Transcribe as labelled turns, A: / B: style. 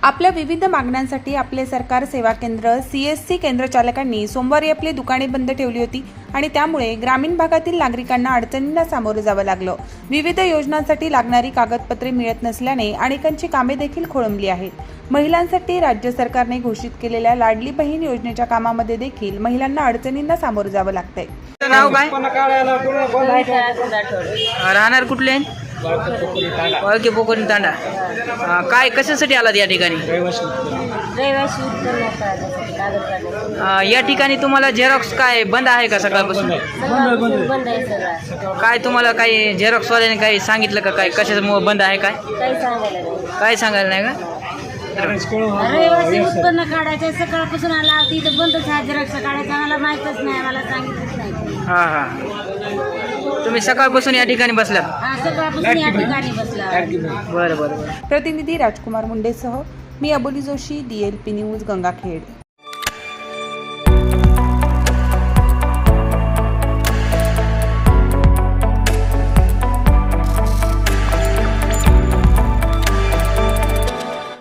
A: आपल्या विविध मागण्यांसाठी आपले सरकार सेवा केंद्र CSC केंद्र चालकांनी सोमवारी आपली दुकाने बंद ठेवली होती आणि त्यामुळे ग्रामीण भागातील नागरिकांना अडचणींना सामोरं जावं लागलं। विविध योजनांसाठी लागणारी कागदपत्रे मिळत नसल्याने अनेकांची कामे देखील खोळंबली आहेत। महिलांसाठी राज्य सरकारने घोषित केलेल्या लाडली बहीण योजनेच्या कामामध्ये देखील महिलांना अडचणींना सामोरं जावं लागतंय।
B: नाव काय? राहणार कुठले? ओके, पोकरी तांडा। काय कशासाठी आलात या ठिकाणी? या ठिकाणी तुम्हाला झेरॉक्स काय बंद आहे का सकाळपासून? काय तुम्हाला काही झेरॉक्स वाल्याने काही सांगितलं का? काय कशामुळे बंद आहे? काय सांगायला नाही का?
C: रहिवासी उत्पन्न काढायचं सकाळपासून आला तिथं बंदच आहे। झेरॉक्स काढायचं मला माहितच नाही, मला सांगितलंच नाही।
B: हां तुम्ही सकाळपासून या ठिकाणी बसलात?
C: हा, सकाळपासून या ठिकाणी बसला।
B: बरं।
A: प्रतिनिधी राजकुमार मुंडेसह मी अबोली जोशी, DLP न्यूज, गंगाखेड।